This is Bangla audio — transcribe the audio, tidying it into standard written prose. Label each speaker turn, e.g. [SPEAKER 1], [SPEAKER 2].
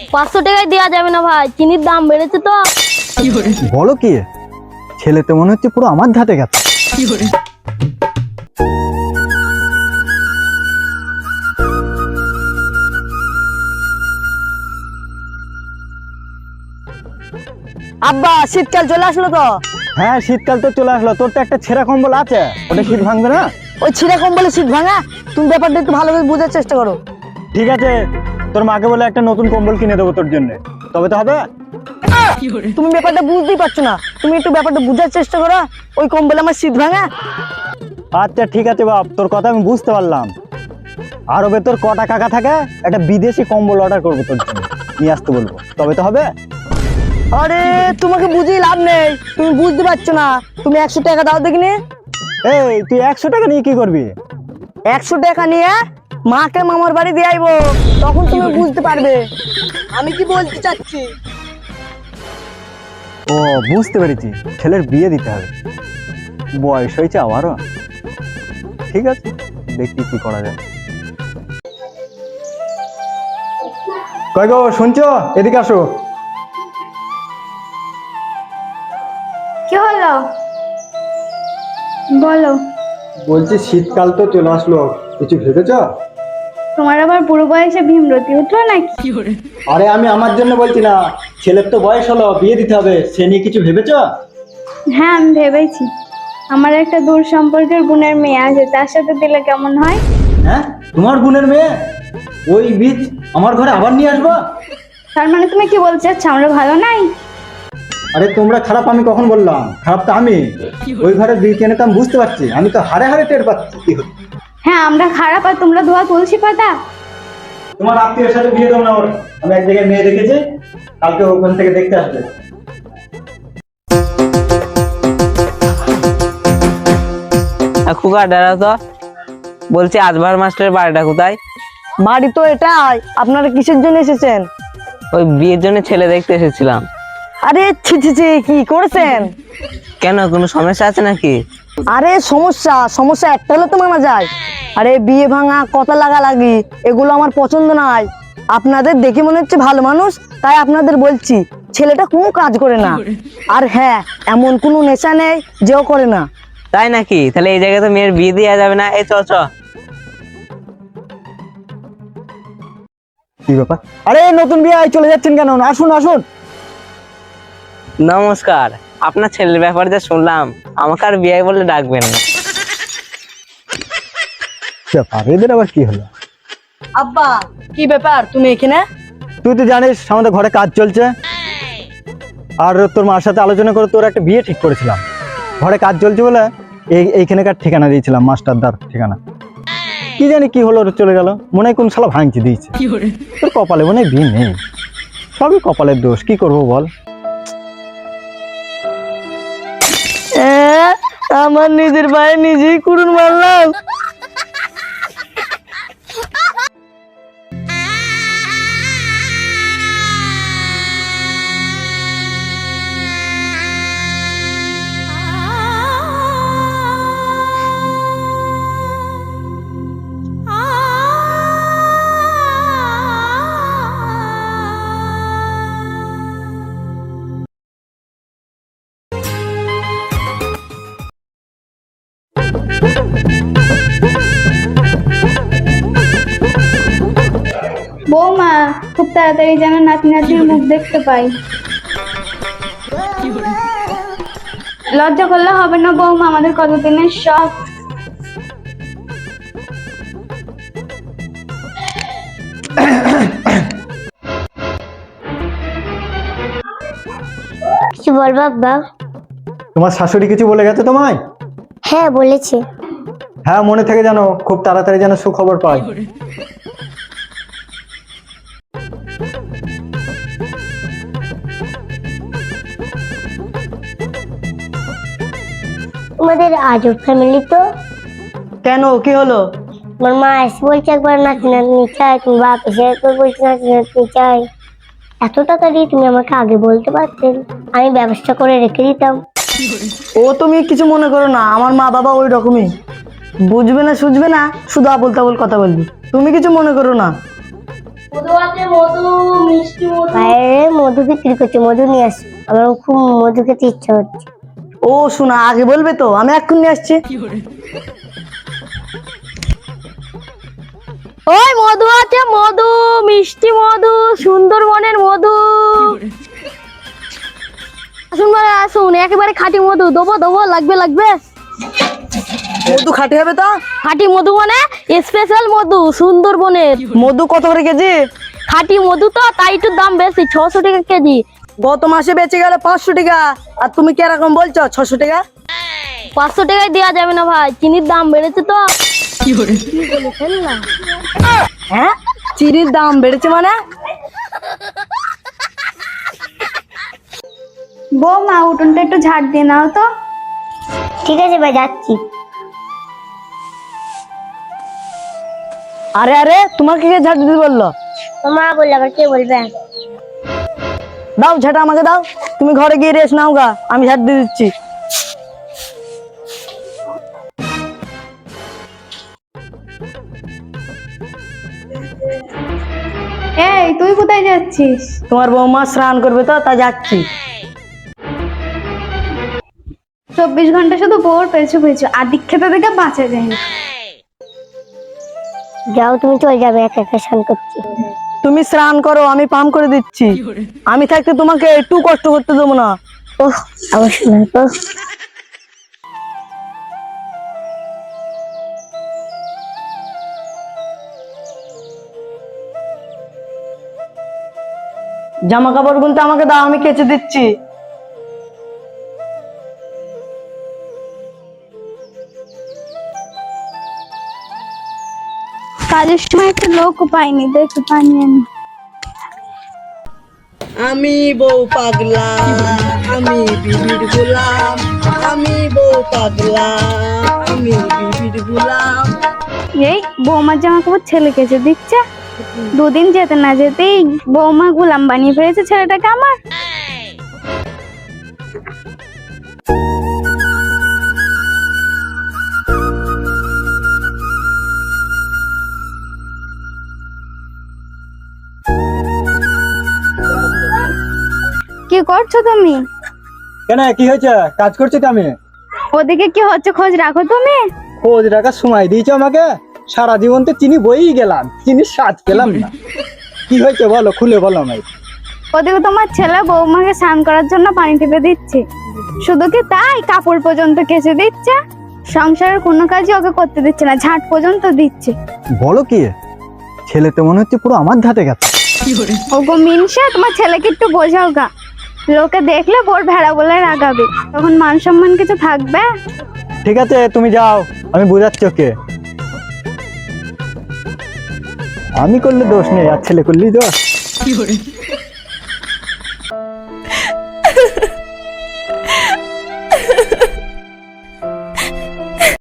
[SPEAKER 1] 500 টাকায় দেওয়া যাবে না ভাই, চিনির দাম বেড়েছে তো।
[SPEAKER 2] বলো কি, ছেলে তো মনে হচ্ছে পুরো আমার ধাতে গেছে।
[SPEAKER 3] আব্বা শীতকাল চলে আসলো তো।
[SPEAKER 2] হ্যাঁ শীতকাল তো চলে আসলো, তোর তো একটা ছেঁড়া কম্বল আছে, ওটা শীত ভাঙবে না?
[SPEAKER 3] ওই ছিঁড়ে কম্বলে শীত ভাঙা? তুমি ব্যাপারটা একটু ভালোভাবে বোঝার চেষ্টা করো।
[SPEAKER 2] ঠিক আছে, তোর মাকে বলে একটা নতুন কম্বল কিনে দেবো তোর জন্য, তবে তো হবে।
[SPEAKER 3] তুমি ব্যাপারটা বুঝতেই পারছো না, তুমি একটু ব্যাপারটা বোঝার চেষ্টা করো। ওই কম্বলে আমার শীত ভাঙা?
[SPEAKER 2] আচ্ছা ঠিক আছে বাপ, তোর কথা আমি বুঝতে পারলাম। আরবে তোর কটা কাকা থাকে, একটা বিদেশি কম্বল অর্ডার করবো তোর জন্য, নিয়ে আসতে বলবো, তবে তো হবে।
[SPEAKER 3] আরে তোমাকে বুঝিয়ে লাভ নেই, তুমি বুঝতে পারছো না। তুমি 100 টাকা দাও দেখিনি।
[SPEAKER 2] এই তুই 100 টাকা নিয়ে কি করবি?
[SPEAKER 3] 100 টাকা নিয়ে মাকে মামার বাড়ি দিয়ে আইবো, তখন তুমি বুঝতে পারবে আমি কি বলতে চাচ্ছি।
[SPEAKER 2] ও বুঝতে পেরেছি, ছেলের বিয়ে দিতে হবে, বয়স হয়েছে আবারও। ঠিক আছে, দেখি কি করা যায়। কই গো শুনছো, এদিকে আসো।
[SPEAKER 1] কি হলো বলো।
[SPEAKER 2] বলছি শীতকাল তো চলে আসলো, কিছু ভেবেছ?
[SPEAKER 1] তোমার আবার বুড়ো বয়সে ভীমরতি উঠলো নাকি?
[SPEAKER 2] আরে আমি আমার জন্য বলছি না, ছেলের তো বয়স হলো, বিয়ে দিতে হবে, সে নিয়ে কিছু ভেবেছ?
[SPEAKER 1] হ্যাঁ আমি ভেবেছি, আমার একটা দূর সম্পর্কের বোনের মেয়ে আছে, তার সাথে দিলে কেমন হয়?
[SPEAKER 2] হ্যাঁ তোমার বোনের মেয়ে, ওই বীজ আমার ঘরে আবার নিয়ে আসবো?
[SPEAKER 1] তার মানে তুমি কি বলতে চাচ্ছ আমরা ভালো নাই?
[SPEAKER 2] আরে তোমরা খারাপ, আমি কখন বললাম? খারাপ তো আমি, ওই ঘরে বীজ এনে তো আমি বুঝতে পারছি, আমি তো হারে হারে টের পাচ্ছি কি হচ্ছে।
[SPEAKER 1] হ্যাঁ আমরা খারাপ আর তোমরা ধোয়া তুলসী পাতা।
[SPEAKER 2] তোমার আত্মীয়ের সাথে বিয়ে দেবো না ওর, আমি এক জায়গায় মেয়ে দেখেছি, কালকে ওখান থেকে দেখতে আসবে।
[SPEAKER 4] খুকা দাঁড়াও তো, বলছি আজবার মাস্টারের বাড়িটা কোথায়?
[SPEAKER 3] বাড়ি তো এটাই। আপনারা কিসের জন্য এসেছেন?
[SPEAKER 4] ওই বিয়ের জন্য ছেলে দেখতে এসেছিলাম।
[SPEAKER 3] আরে ছি ছি ছি, কি করেছেন?
[SPEAKER 4] কেন, কোনো সমস্যা আছে নাকি?
[SPEAKER 3] আরে সমস্যা সমস্যা একটা হলে তো মানা যায়। আরে বিয়ে ভাঙা, কথা লাগালাগি, এগুলো আমার পছন্দ নয়। আপনাদের দেখে মনে হচ্ছে ভালো মানুষ, তাই আপনাদের বলছি ছেলেটা কোনো কাজ করে না। আর হ্যাঁ, এমন কোনো নেশা নেই যেও করে না।
[SPEAKER 4] তাই নাকি? তাহলে এই জায়গায় তো মেয়ের বিয়ে দেওয়া যাবে না। এই চ চ।
[SPEAKER 2] কি ব্যাপার? আরে নতুন বিয়ে চলে যাচ্ছেন কেন? আসুন আসুন।
[SPEAKER 4] নমস্কার, আপনার ছেলের ব্যাপারে যা শুনলাম, আমাকে আর বিয়ে বলে ডাকবেন না।
[SPEAKER 2] ব্যাপার এদের আবার কি হলো?
[SPEAKER 3] আব্বা কি ব্যাপার, তুমি এখানে?
[SPEAKER 2] তুই তো জানিস আমাদের ঘরে কাজ চলছে, আর তোর মার সাথে আলোচনা করে তোর একটা বিয়ে ঠিক করেছিলাম। ঘরে কাজ চলছে বলে এইখানেকার ঠিকানা দিয়েছিলাম, মাস্টারদার ঠিকানা। কি জানি কি হলো, ওর চলে গেল, মনে হয় কোন শালা ভাঙচি দিয়েছে। তোর কপালে মনে হয় বিয়ে নেই, সবই কপালের দোষ, কি করবো বল।
[SPEAKER 3] আমার নিজের ভাই নিজেই কুড়ুন মারলাম।
[SPEAKER 1] বৌমা খুব তাড়াতাড়ি যেন নাতি নাতির মুখ দেখতে পাই। লজ্জা করলে হবে না বৌমা, আমাদের কতদিনের শখ।
[SPEAKER 5] কিছু বল বাবা।
[SPEAKER 2] তোমার শাশুড়ি কিছু বলে গেছে তোমায়?
[SPEAKER 5] হ্যাঁ বলেছে।
[SPEAKER 2] হ্যাঁ মনে থেকে জানো, খুব তাড়াতাড়ি যেন সুখবর পাই।
[SPEAKER 5] তোমাদের আজব ফ্যামিলি তো।
[SPEAKER 3] কেন, কি হলো?
[SPEAKER 5] আমার মা এসে বলছে একবার নাতি নাতনি চাই, তুমি বাপ এসে একবার বলছে নাতি নাতনি চাই। এত টাকা দিয়ে তুমি আমাকে আগে বলতে পারতেন, আমি ব্যবস্থা করে রেখে দিতাম।
[SPEAKER 3] ও তুমি কিছু মনে করো না, আমার মা বাবা ওই রকমই, বুঝবে না সুঝবে না, শুধু আবল তাবল কথা বলবি। তুমি কিছু মনে করো না।
[SPEAKER 1] মধু আছে, মধু, মিষ্টি মধু।
[SPEAKER 5] মধু বিক্রি করছে, মধু নিয়ে আসি, আমার খুব মধু খেতে ইচ্ছা হচ্ছে।
[SPEAKER 3] ও শোনা, আগে বলবে তো, আমি এক্ষুনি নিয়ে আসছি।
[SPEAKER 6] ওই মধু আছে, মধু, মিষ্টি মধু, সুন্দরবনের মধু। আসুন ভাই আসুন, একেবারে খাঁটি মধু, দেবো দেবো, লাগবে লাগবে।
[SPEAKER 3] মধু খাঁটি হবে তো?
[SPEAKER 6] খাঁটি মধু মানে স্পেশাল মধু, সুন্দরবনের
[SPEAKER 3] মধু কত করে কেজি?
[SPEAKER 6] খাঁটি মধু তো, তাই একটু দাম বেশি, 600 টাকা কেজি।
[SPEAKER 3] গত মাসে বেঁচে গেলে 500 টাকা, আর তুমি কিরকম বলছো 600 টাকা?
[SPEAKER 6] 500 টাকায় দেওয়া যাবে না ভাই, চিনির দাম বেড়েছে তো। কি বলেছেন না?
[SPEAKER 3] হ্যাঁ, চিনির দাম বেড়েছে মানে?
[SPEAKER 1] বৌমা, উঠোনটা একটু ঝাড় দিয়ে নাও তো।
[SPEAKER 5] ঠিক আছে ভাই, যাচ্ছি।
[SPEAKER 3] আরে আরে, তোমাকে কে ঝাড় দিতে বললো?
[SPEAKER 5] মা বললে আবার কে বলবে?
[SPEAKER 3] দাও ঝাঁটা আমাকে দাও, তুমি ঘরে গিয়ে রেস্ট নাও গা, আমি ঝাড় দিয়ে দিচ্ছি।
[SPEAKER 1] এই, তুই কোথায় যাচ্ছিস?
[SPEAKER 3] তোমার বৌমা স্নান করবে তো, তা যাচ্ছি।
[SPEAKER 1] 24 ঘন্টা শুধু বউর পেছু পেছু, আদিক খেতে থেকে বাঁচা যায় না।
[SPEAKER 5] যাও, তুমি চলে যাবে, একা একা স্নান করছি।
[SPEAKER 3] তুমি স্নান করো, আমি পাম করে দিচ্ছি। আমি থাকতে তোমাকে একটু কষ্ট করতে দেবো না।
[SPEAKER 5] ওহ, আমার শোনা তো।
[SPEAKER 3] জামা কাপড় গুনতে আমাকে দাও, আমি কেচে দিচ্ছি।
[SPEAKER 1] কাজের সময় একটা লোক পাইনি, দেখতে পাইনি আমি।
[SPEAKER 3] আমি বউ পাগলা, আমি বিবির গোলাম, আমি বউ পাগলা, আমি বিবির গোলাম।
[SPEAKER 1] এই বৌমার জামা কাপড় ছেলে কেচে দিচ্ছে, দুদিন যেতে না যেতেই বৌমা গোলাম বানিয়ে ফেলেছে ছেলেটাকে আমার। কি করছো তুমি?
[SPEAKER 2] কেন, কি হয়েছে? কাজ করছি তো আমি।
[SPEAKER 1] ওদিকে কি হচ্ছে খোঁজ রাখো তুমি।
[SPEAKER 2] খোঁজ রাখার সময় দিয়েছো আমাকে? সারা জীবন তো চিনি বইই গেলাম, চিনির স্বাদ পেলাম না। কি হয়েছে বলো, খুলে বলো আমায়।
[SPEAKER 1] ওদিকে তোমার ছেলে বৌমাকে স্নান করার জন্য পানি টিপে দিচ্ছে, শুধু কি তাই, কাপড় পর্যন্ত কেচে দিচ্ছে। সংসারের কোনো কাজই ওকে করতে দিচ্ছে না, ঝাঁট পর্যন্ত দিচ্ছে।
[SPEAKER 2] বলো কি, ছেলে তো মনে হচ্ছে পুরো আমার ধাতে গেছে।
[SPEAKER 1] ওগো মিনসা, তোমার ছেলেকে একটু বোঝাও গা, লোকে দেখলে বোর ভেড়া বলে রাগাবে, তখন মান সম্মান কিছু থাকবে?
[SPEAKER 2] ঠিক আছে, তুমি যাও, আমি বোঝাচ্ছি ওকে। আমি করলে দোষ নেই, আর ছেলে করলেই দোষ।